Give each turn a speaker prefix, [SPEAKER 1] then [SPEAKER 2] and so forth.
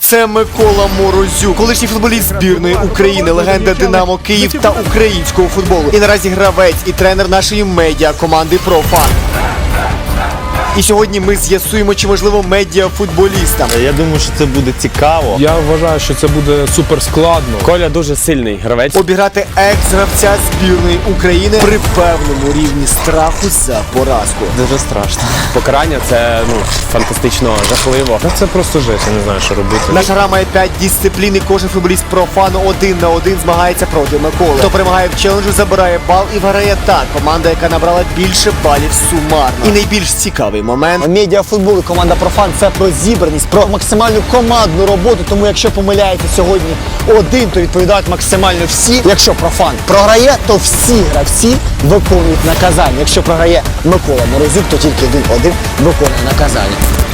[SPEAKER 1] Це Микола Морозюк, колишній футболіст збірної України, легенда Динамо Київ та українського футболу. І наразі гравець і тренер нашої медіа-команди «Профан». І сьогодні ми з'ясуємо, чи можливо медіа-футболістам.
[SPEAKER 2] Я думаю, що це буде цікаво.
[SPEAKER 3] Я вважаю, що це буде супер складно.
[SPEAKER 2] Коля дуже сильний гравець.
[SPEAKER 1] Обіграти екс-гравця збірної України при певному рівні страху за поразку.
[SPEAKER 2] Дуже страшно. Покарання це фантастично жахливо.
[SPEAKER 3] Та це просто жесть, я не знаю, що робити.
[SPEAKER 1] Наша гра має 5 дисциплін, і кожен футболіст «Профану» 1 на 1 змагається проти Миколи. Хто перемагає в челенджу, забирає бал і виграє та команда, яка набрала більше балів сумарно. І найбільш цікавий момент.
[SPEAKER 4] Медіафутбол і команда «Профан» – це про зібраність, про максимальну командну роботу. Тому якщо помиляється сьогодні один, то відповідають максимально всі. Якщо «Профан» програє, то всі гравці виконують наказання. Якщо програє Микола Морозюк, то тільки 1-1 виконує наказання.